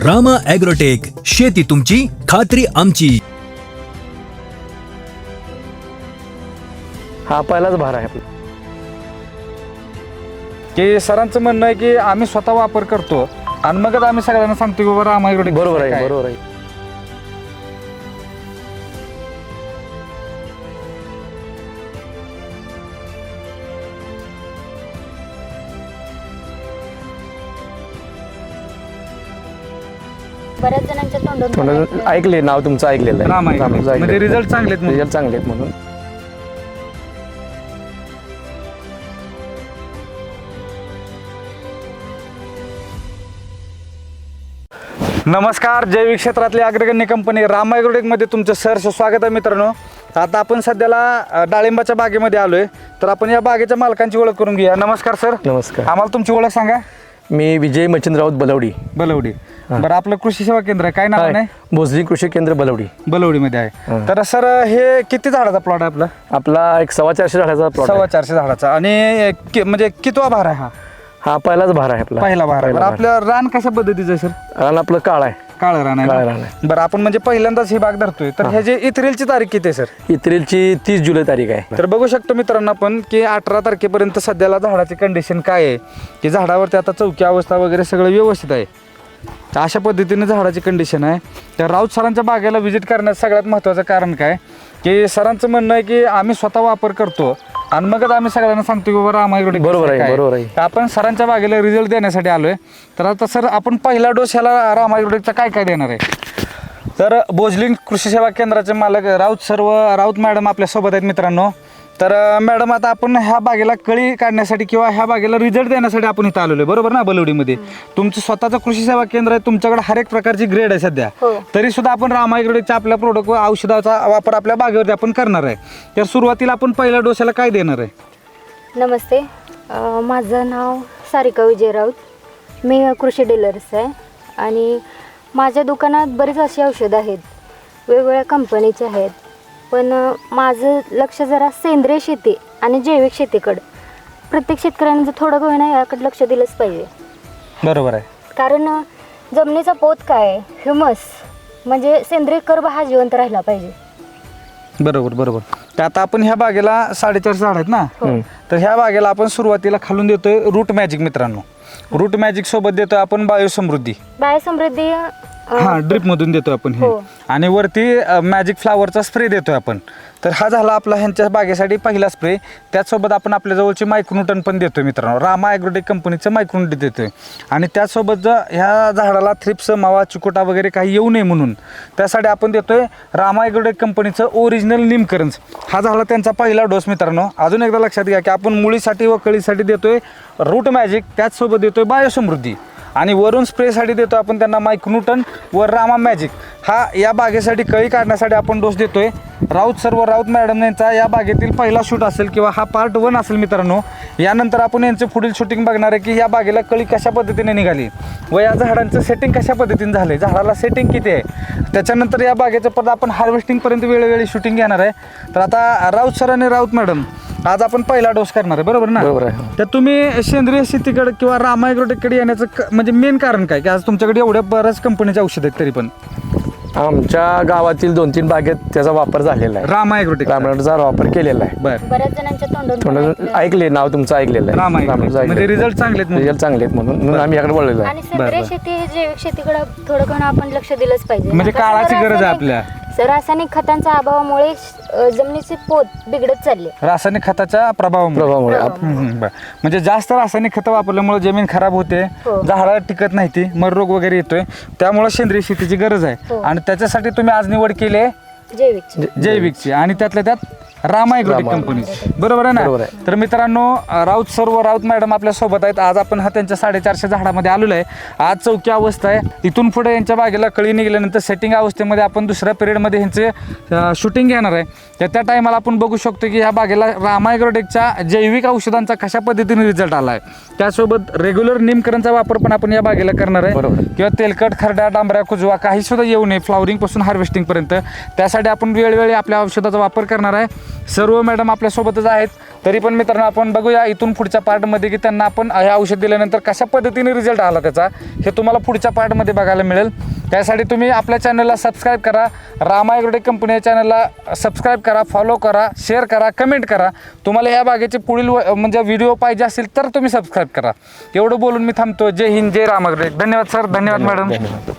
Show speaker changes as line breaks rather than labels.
Rama agrotech, शेती तुमची, खात्री आमची.
हा पहिलाच भार आहे आपला.
की सरांचं म्हणणं आहे की आम्ही स्वतः वापर करतो आणि मगच आम्ही सगळ्यांना सांगतो की बाबा रामा ॲग्रोटेक
बरोबर आहे, बरोबर आहे.
बऱ्याच जणांच्या तोंडून
ऐकले नाव तुमचं ऐकलेलं आहे.
रामा ॲग्रोटेक म्हणजे रिझल्ट चांगले आहेत.
रिझल्ट चांगले आहेत म्हणून.
नमस्कार, जैविक क्षेत्रातली अग्रगण्य कंपनी रामा ॲग्रोटेकमध्ये तुमचं सहर्ष स्वागत आहे मित्रांनो. आता आपण सध्याला डाळिंबाच्या बागेमध्ये आलोय, तर आपण या बागेच्या मालकांची ओळख करून घेऊया. नमस्कार सर.
नमस्कार.
आम्हाला तुमची ओळख सांगा.
मी विजय मच्छिंद्र राऊत बलवडी.
बलवडी. बरं, आपलं कृषी सेवा केंद्र आहे, काय नाव आहे?
भोसरी कृषी केंद्र बलवडी.
बलवडीमध्ये आहे. तर सर हे किती झाडाचा प्लॉट आहे आपला?
आपला एक 450 झाडाचा प्लॉट.
450 झाडाचा. आणि म्हणजे कितवा भार आहे हा?
हा पहिलाच भार आहे आपला.
पहिला भार आहे. बरं, आपलं रान कशा पद्धतीचं आहे सर?
रान आपलं काळ आहे.
काळं रान आहे.
काळं रान आहे.
बरं, आपण म्हणजे पहिल्यांदाच ही बाग धरतोय, तर ह्याची इथरीलची तारीख किती आहे सर?
एप्रिलची 30 जुलै तारीख आहे.
तर बघू शकतो मित्रांनो आपण की 18 तारखेपर्यंत सध्याला झाडाची कंडिशन काय आहे, की झाडावरती आता चौकी अवस्था वगैरे सगळं व्यवस्थित आहे. तर अशा पद्धतीने झाडाची कंडिशन आहे. तर राऊत सरांच्या बागेला व्हिजिट करण्याचं सगळ्यात महत्त्वाचं कारण काय, की सरांचं म्हणणं आहे की आम्ही स्वतः वापर करतो आणि मगच आम्ही सगळ्यांना सांगतो की बाबा रामा ॲग्रोटेक.
बरोबर आहे, बरोबर आहे.
तर आपण सरांच्या बागेला रिझल्ट देण्यासाठी आलोय. तर आता सर आपण पहिला डोस ह्याला रामा ॲग्रोटेकचा काय काय देणार आहे? तर भोजलिंग कृषी सेवा केंद्राचे मालक राऊत मॅडम आपल्यासोबत आहेत मित्रांनो. तर मॅडम, आता आपण ह्या बागेला कळी काढण्यासाठी किंवा ह्या बागेला रिझल्ट देण्यासाठी आपण इथं आलेलो आहे, बरोबर ना? बलवडीमध्ये तुमचं स्वतःचं कृषी सेवा केंद्र आहे, तुमच्याकडे हर एक प्रकारची ग्रेड आहे सध्या. तरी सुद्धा आपण रामा ॲग्रोटेकच्या आपल्या प्रोडक्ट व औषधाचा वापर आपल्या बागेवरती आपण करणार आहे. तर सुरुवातीला आपण पहिल्या डोसाला काय देणार आहे?
नमस्ते, माझं नाव सारिका विजय राऊत. मी कृषी डीलर्स आहे आणि माझ्या दुकानात बरीच अशी औषधं आहेत, वेगवेगळ्या कंपनीचे आहेत. पण माझं लक्ष जरा सेंद्रिय शेती आणि जैविक शेतीकडं, प्रत्येक शेतकऱ्याने जर थोडं का होईना याकडे लक्ष दिलंच पाहिजे.
बरोबर आहे.
कारण जमिनीचा पोत काय आहे, ह्युमस म्हणजे सेंद्रिय कर्ब हा जिवंत राहिला पाहिजे.
बरोबर बरोबर. तर आता आपण ह्या बागेला 450 झाड आहेत ना, तर ह्या बागेला आपण सुरुवातीला खालून देतोय रूट मॅजिक मित्रांनो. रूट मॅजिक सोबत देतोय आपण बायोसमृद्धी.
बायोसमृद्धी
हा ड्रिप मधून देतोय आपण हे. आणि वरती मॅजिक फ्लावरचा स्प्रे देतोय आपण. तर हा झाला आपला ह्यांच्या बागेसाठी पहिला स्प्रे. त्याचसोबत आपण आपल्या जवळची मायक्रोन्यूटन पण देतोय मित्रांनो, रामा ॲग्रोटेक कंपनीचं मायक्रोन्यूटन देतोय. आणि त्याचसोबत ह्या झाडाला थ्रिप्स, मावा, चिकोटा वगैरे काही येऊ नये म्हणून त्यासाठी आपण देतोय रामा ॲग्रोटेक कंपनीचं ओरिजिनल निमकरंज. हा झाला त्यांचा पहिला डोस मित्रांनो. अजून एकदा लक्षात घ्या की आपण मुळीसाठी व कळीसाठी देतोय रूट मॅजिक, त्याचसोबत देतोय बायोसमृद्धी आणि वरून स्प्रेसाठी देतो आपण त्यांना मायक्रोन्यूटन व रामा मॅजिक. हा या बागेसाठी कळी काढण्यासाठी आपण डोस देतोय. राऊत मॅडम यांचा या बागेतील पहिला शूट असेल किंवा हा पार्ट 1 असेल मित्रांनो. यानंतर आपण यांचं पुढील शूटिंग बघणार आहे की या बागेला कळी कशा पद्धतीने निघाली व या झाडांचं सेटिंग कशा पद्धतीने झालं, झाडाला सेटिंग किती आहे. त्याच्यानंतर या बागेचं परत आपण हार्वेस्टिंगपर्यंत वेळोवेळी शूटिंग घेणार आहे. तर आता राऊत सर आणि राऊत मॅडम आज आपण पहिला डोस करणार आहे, बरोबर ना?
बरोबर आहे.
तर तुम्ही सेंद्रिय शेतीकडे किंवा रामा ॲग्रोटेककडे येण्याचं म्हणजे मेन कारण काय, की आज तुमच्याकडे एवढ्या बऱ्याच कंपनीचे औषध आहेत तरी पण?
आमच्या गावातील 2-3 बागेत त्याचा वापर झालेला आहे.
रामा ॲग्रोटेक
रामाचा वापर केलेला आहे.
बरं.
बऱ्याच जणांच्या
तोंडून
तोंडून
ऐकले नाव तुमचं ऐकलेलं आहे.
रामा ॲग्रोटेक म्हणजे रिझल्ट चांगले आहेत.
रिझल्ट चांगले आहेत म्हणून आम्ही याकडे वळलेलो आहे.
आणि सेंद्रिय शेती ही जैविक शेतीकडे थोडं कणं आपण लक्ष दिलंच पाहिजे.
म्हणजे काळाची गरज आहे आपल्या.
रासायनिक खतांच्या अभावामुळे जमिनीचे पोत बिघडत चालले,
रासायनिक खताच्या प्रभावामुळे. म्हणजे जास्त रासायनिक खतं वापरल्यामुळे जमीन खराब होते, झाडं टिकत नाही ती, मर रोग वगैरे येतोय. त्यामुळे सेंद्रिय शेतीची गरज आहे आणि त्याच्यासाठी तुम्ही आज निवड केली आहे जैविकची आणि त्यातल्या त्यात रामा ॲग्रोटेक कंपनी, बरोबर आहे ना? तर मित्रांनो, राऊत सर व राऊत मॅडम आपल्या सोबत आहेत. आज आपण हा त्यांच्या 450 झाडामध्ये आलेलो आहे. आज चौकी अवस्था आहे. इथून पुढे यांच्या बागेला कळी निघाल्यानंतर सेटिंग अवस्थेमध्ये आपण दुसऱ्या पिरियडमध्ये ह्यांचे शूटिंग घेणार आहे. तर त्या टायमाला आपण बघू शकतो की ह्या बागेला रामा ॲग्रोटेकच्या जैविक औषधांचा कशा पद्धतीने रिझल्ट आला आहे. त्यासोबत रेग्युलर निमकरणचा वापर पण आपण या बागेला करणार आहे. किंवा तेलकट, खरड्या, डांबऱ्या, कुजवा काही सुद्धा येऊ नये फ्लॉवरिंग पासून हार्वेस्टिंग पर्यंत. त्यासाठी आपण वेळोवेळी आपल्या औषधाचा वापर करणार आहे. सर्व मॅडम आपल्यासोबतच आहेत. तरी पण मित्रांनो आपण बघूया इथून पुढच्या पार्टमध्ये की त्यांना आपण हे औषध दिल्यानंतर कशा पद्धतीने रिझल्ट आला त्याचा हे तुम्हाला पुढच्या पार्टमध्ये बघायला मिळेल. त्यासाठी तुम्ही आपल्या चॅनलला सबस्क्राईब करा, रामा ॲग्रोटेक कंपनी या चॅनलला सबस्क्राईब करा, फॉलो करा, शेअर करा, कमेंट करा. तुम्हाला ह्या बागेचे पुढील म्हणजे व्हिडिओ पाहिजे असेल तर तुम्ही सबस्क्राईब करा. एवढं बोलून मी थांबतो. जय हिंद, जय रामा ॲग्रोटेक. धन्यवाद सर, धन्यवाद मॅडम.